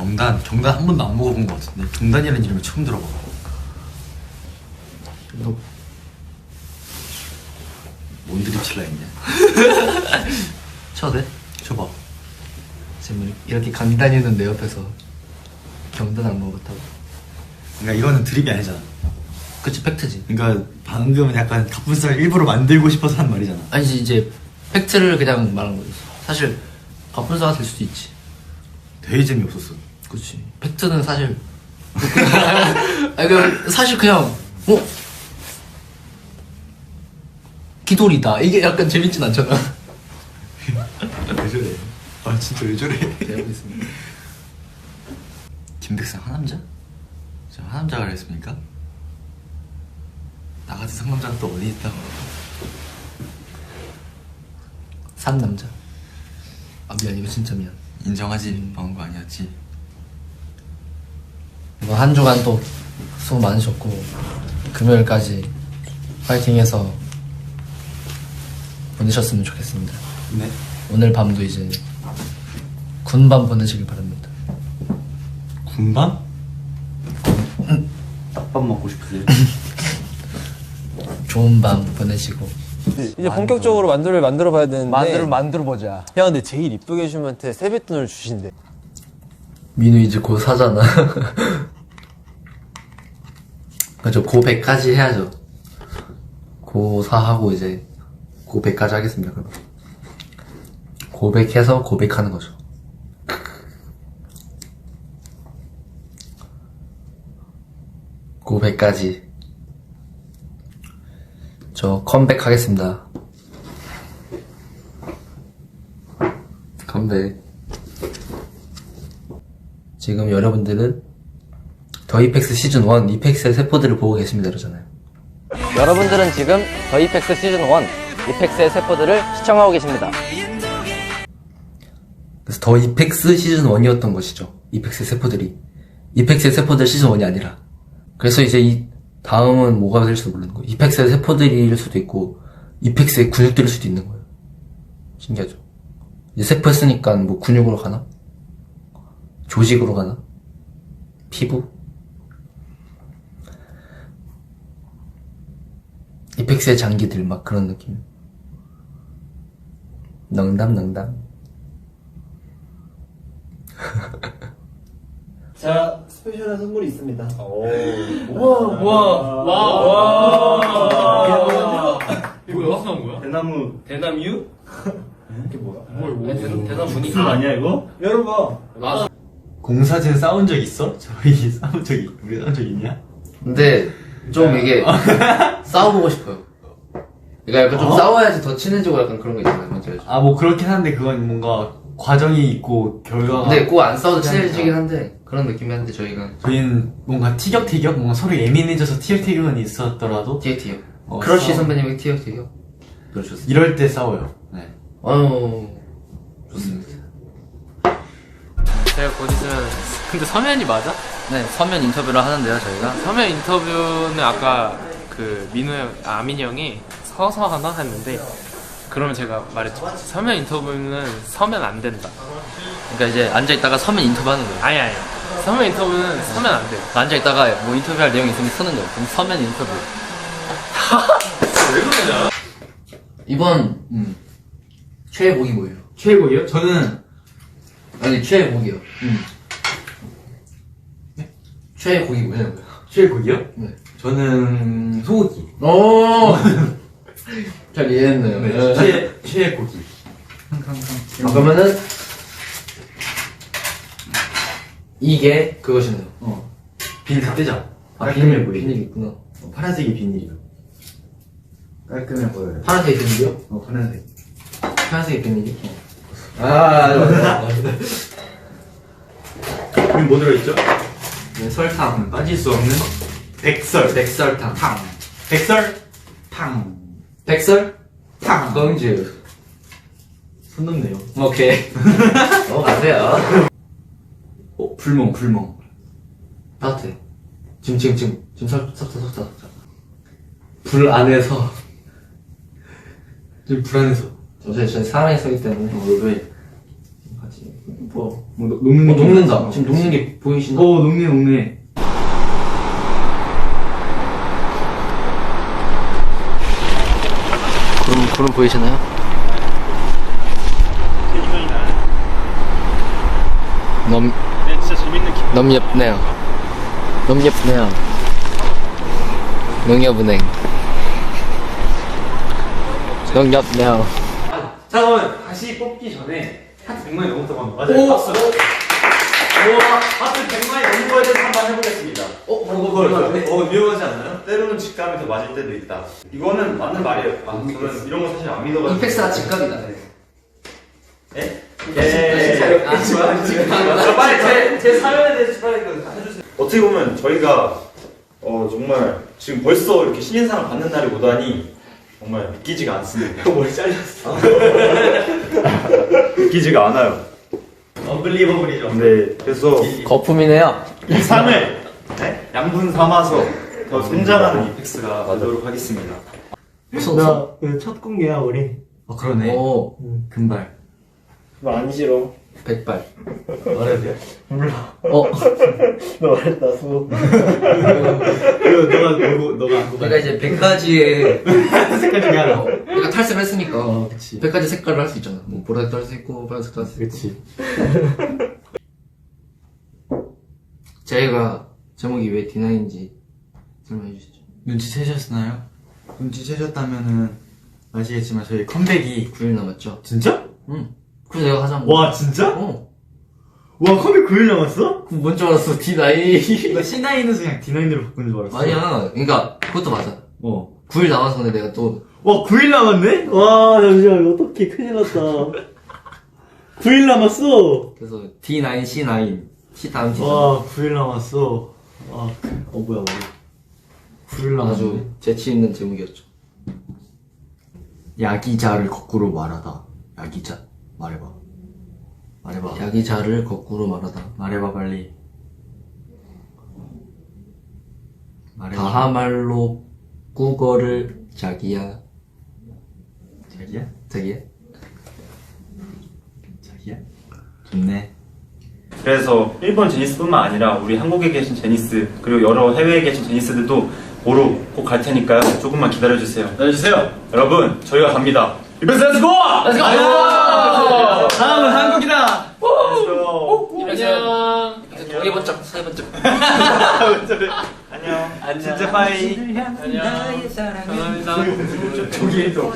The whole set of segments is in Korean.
경단 한 번도 안 먹어본 것 같은데 경단이라는 이름을 처음 들어봐. 너 뭔 드립 칠라 했냐? 쳐도 돼? 줘봐. 지금 이렇게 강다니는 내 옆에서 경단 안 먹었다고? 그러니까 이거는 드립이 아니잖아. 그치, 팩트지. 그러니까 방금은 약간 갑분살 일부러 만들고 싶어서 한 말이잖아. 아니지, 이제 팩트를 그냥 말한 거지. 사실 갑분싸가 될 수도 있지. 되게 재미없었어. 그치. 팩트는 사실 아니, 사실 그냥 기돌이다 이게 약간 재밌진 않잖아. 왜 저래? 아 진짜 왜 저래? 알겠습니다. 김백상 하남자? 저 하남자가 그랬습니까? 나 같은 상남자가 또 어디 있다고. 상남자. 아 미안, 이거 진짜 미안. 인정하지. 방은 거 아니었지. 이번 한 주간 또 수고 많으셨고 금요일까지 파이팅해서 보내셨으면 좋겠습니다. 네. 오늘 밤도 이제 군밤 보내시길 바랍니다. 군밤? 딱밥 먹고 싶으세요? 좋은 밤 보내시고 이제 본격적으로 만들어 봐야 되는데 만들어 보자. 형 근데 제일 이쁘게 해준 분한테 세뱃돈을 주신대. 민우 이제 곧 사잖아. 그죠, 고100까지 해야죠. 고4하고 이제 고100까지 하겠습니다. 그럼 고100 해서 고백하는 거죠. 고100까지 저 컴백 하겠습니다. 컴백. 지금 여러분들은 더 이펙스 시즌 1 이펙스의 세포들을 보고 계십니다 그러잖아요. 여러분들은 지금 더 이펙스 시즌 1 이펙스의 세포들을 시청하고 계십니다. 그래서 더 이펙스 시즌 1이었던 것이죠. 이펙스의 세포들이. 이펙스의 세포들 시즌 1이 아니라. 그래서 이제 이 다음은 뭐가 될지도 모르는 거예요. 이펙스의 세포들일 수도 있고 이펙스의 근육들일 수도 있는 거예요. 신기하죠. 이제 세포 했으니까 뭐 근육으로 가나? 조직으로 가나? 피부? 이펙스의 장기들 막 그런 느낌. 농담. 자, 스페셜한 선물이 있습니다. 이거 어디서 나온 거야? 대나무 대단 분위기 무슨 아니야 이거? 열어봐. 공사제 싸운 적 있어? 저희 싸운 적이 우리 싸운 적 있냐? 근데 좀 이게 싸워보고 싶어요. 그러니까 약간 좀 싸워야지 더 친해지고 약간 그런 거 있잖아요. 뭔지 알죠? 아 뭐 그렇긴 한데 그건 뭔가 과정이 있고 결과가. 근데 꼭 안 싸워도 친해지긴 한데 그런 느낌이 한데 저희는 뭔가 티격태격 뭔가 서로 예민해져서 티격태격은 있었더라도 티격태격. 어, 크러쉬 싸워. 선배님의 티격태격. 그러셨어요. 이럴 때 싸워요. 네. 좋습니다. 제가 곧 있으면 근데 서면이 맞아? 네, 서면 인터뷰를 하는데요, 저희가. 서면 인터뷰는 아까 그 민우 형, 아민이 형이 서서 하나 했는데 그러면 제가 말했죠. 서면 인터뷰는 서면 안 된다. 그러니까 이제 앉아있다가 서면 인터뷰 하는 거예요. 아니 서면 인터뷰는 서면 안 돼. 앉아있다가 뭐 인터뷰할 내용이 있으면 쓰는 거예요. 그럼 서면 인터뷰. 왜 그러냐? 이번, 최애곡이 뭐예요? 최고예요? 저는 아니, 최애곡이요. 최애곡이 뭐냐고요? 최고요? 네. 저는 소고기. 오! 잘 이해했네요. 네. 최고기. 그러면은, 이게 그것이네요. 비닐 다 떼자. 비닐 있구나. 파란색이 비닐이요. 깔끔해 보여요. 파란색 비닐이요? 파란색. 파란색 비닐이? 맞아. 그럼 뭐 들어있죠? 네, 설탕. 빠질 수 없는 백설. 백설탕. 탕. 백설. 탕. 백설? 탕. 광주. 손 넘네요. 오케이. 넘어가세요. 불멍. 따뜻해. 지금 섞자. 불 안에서. 좀 불안해서. 저희 사랑이 서기 때문에. 왜? 같이. 뭐 녹는 녹는다. 지금 녹는 게 보이시나? 녹네. 구름 보이시나요? 너무 예쁘네요. 너무 예쁘네요. 농협은행. 농협네요. 자, 그러면 다시 뽑기 전에 하트 100만이 넘었다고 합니다. 맞아요. 박수. 하트 100만이 넘은 거에 대해서 한번 해보겠습니다. 위험하지 않나요? 때로는 직감이 더 맞을 때도 있다. 이거는 맞는 말이에요. 저는 이런 거 사실 안 믿어가지고. 이펙스가 직각이다. 예? 빨리 제 사연에 대해서 빨리 해주세요. 어떻게 보면 저희가 정말 지금 벌써 이렇게 신인상을 받는 날이 오다니 정말 믿기지가 않습니다. 머리 잘렸어. 믿기지가 않아요. 언블리버블이죠. 네, 그래서 거품이네요. 이 상을 양분 삼아서 더 성장하는 이펙스가 되도록 하겠습니다. 나 첫 공개야 우리. 그러네. 오, 금발. 너 안 싫어. 백발. 말해도 돼? 너 말했다 수. 너가 안 내가 이제 100가지의 색깔 중에 하나. 내가 탈색을 했으니까 그치. 100가지 색깔을 할 수 있잖아. 뭐 보라색도 할 수 있고 빨간색도 할 수 있고. 그치. 제가 제목이 왜 D9인지 설명해 주시죠. 눈치채셨나요? 눈치채셨다면은 아시겠지만 저희 컴백이 9일 남았죠? 진짜? 응. 그래서 내가 하자고. 와 진짜? 어. 와 컴백 9일 남았어? 그럼 뭔 줄 알았어? D9. 나 C9에서 그냥 D9으로 바꾼 줄 알았어. 아니야. 그러니까 그것도 맞아. 9일 남아서 근데 내가 또 와 9일 남았네? 와 잠시만 이거 어떡해 큰일 났다. 9일 남았어. 그래서 D9, C9, C 다음 D9. 와 9일 남았어. 뭐야 9일 남았네. 아주 재치 있는 제목이었죠. 야기자를 거꾸로 말하다. 야기자 말해봐. 야기자를 거꾸로 말하다. 말해봐 빨리. 말해봐. 다하말로 국어를 자기야. 자기야? 좋네. 그래서 일본 제니스뿐만 아니라 우리 한국에 계신 제니스 그리고 여러 해외에 계신 제니스들도 보러 꼭 갈 테니까요. 조금만 기다려주세요. 기다려주세요. 여러분 저희가 갑니다. 이벤트 렛츠고! 렛츠고! 다음은 한국이다. 안녕. 동해 번쩍, 서해 번쩍. 안녕. 진짜 빠이. 안녕. 감사합니다. 저기도.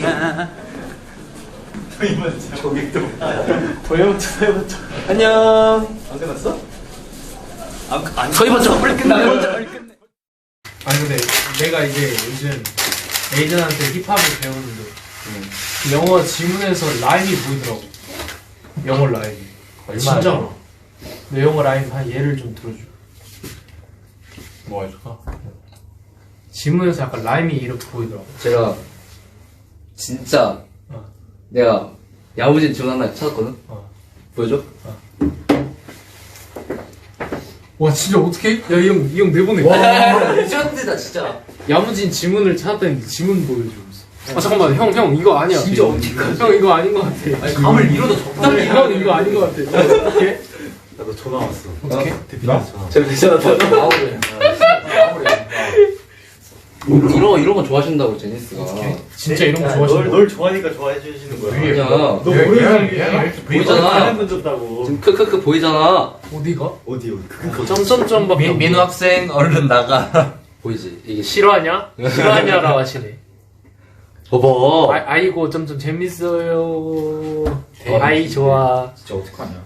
저기도. 안녕. 안 끝났어? 서해 번쩍. 빨리 끝나. 아니 근데 내가 이제 요즘 에이전한테 힙합을 배우는데 영어 지문에서 라임이 보이더라고. 영어 라임이. 진짜로. 내 영어 라임 한 예를 좀 들어줘. 뭐 해줄까? 지문에서 약간 라임이 이렇게 보이더라고. 제가 진짜 내가 야무진 지문 하나 찾았거든? 보여줘? 와 진짜 어떡해? 야 이 형 내보내. 레전드다 진짜. 야무진 지문을 찾았다는데 지문 보여주면서. 잠깐만 형 이거 아니야. 진짜 어떡하지? 형 이거 아닌 것 같아. 아니 감을 잃어도 적당히 형 이거 아닌 것 같아. 어떡해? 나도 전화 왔어. 어떡해? 대표님 전화. 제가 괜찮았다. 마무리. 이런 거 좋아하신다고 제니스가. 진짜 이런 거 좋아하시는 널 좋아하니까 좋아해 주시는 거야. 아니야. 너 모르는 보이잖아. 분 줬다고. 지금 크크크 보이잖아. 어디가? 어디? 점점점밖에 민우 학생 얼른 나가. 보이지? 이게 싫어하냐? 싫어하냐라고 하시네. 봐봐. 아이고 점점 재밌어요. 아이 좋아. 진짜 어떡하냐?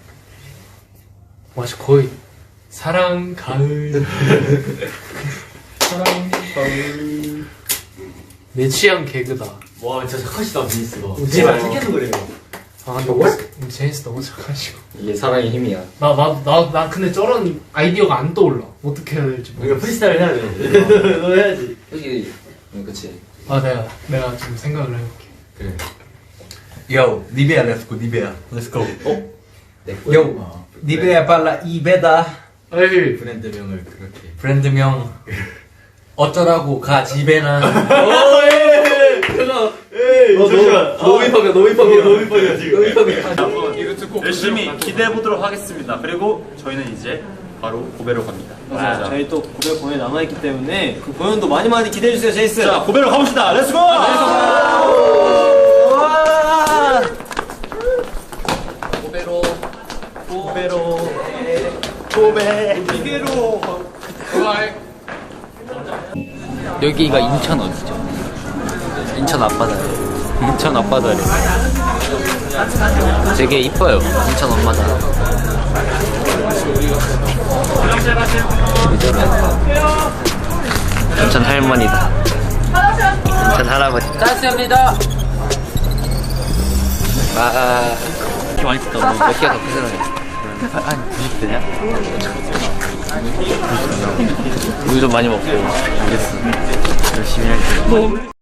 와 거의 사랑 가을. 사랑 가을. 내 취향 개그다. 와 진짜 착하시다 제니스가. 제발 착해서 그래요. 아 너무 제니스 너무 착하시고. 이게 사랑의 힘이야. 나 근데 저런 아이디어가 안 떠올라. 어떻게 해야 될지 모르겠어. 우리가 프리스타일 해야 돼. 너 해야지. 여기 그치. 아 내가 좀 생각을 해볼게. 그래. Yo, Nivea, let's go, Nivea. Let's go. 내 거야. Yo, Nivea 발라 이베다. 에이 브랜드명을 그렇게. 브랜드명. 어쩌라고 가 집에나. 에이, 잠시만. 너무 힙합이야, 너무 힙합이야. 너무 힙합이야 지금. 너무 힙합이야. 한번 이거 열심히 기대해 보도록 하겠습니다. 그리고 저희는 이제 바로 고베로 갑니다. 맞아요. 저희 또 고별 공연 남아있기 때문에 그 공연도 많이 기대해주세요, 제이스. 자, 고베로 가봅시다. 렛츠고! 여기가 인천 어디죠? 인천 앞바다래. 인천 앞바다래. 되게 이뻐요. 인천 엄마다. 인천 할머니다. 인천 할아버지. 짜스입니다. 이렇게 많이 뜯다. 몇 개가 더 크잖아요. 한 90대냐? 우유 좀 많이 먹고. 알겠어. 열심히 할게요.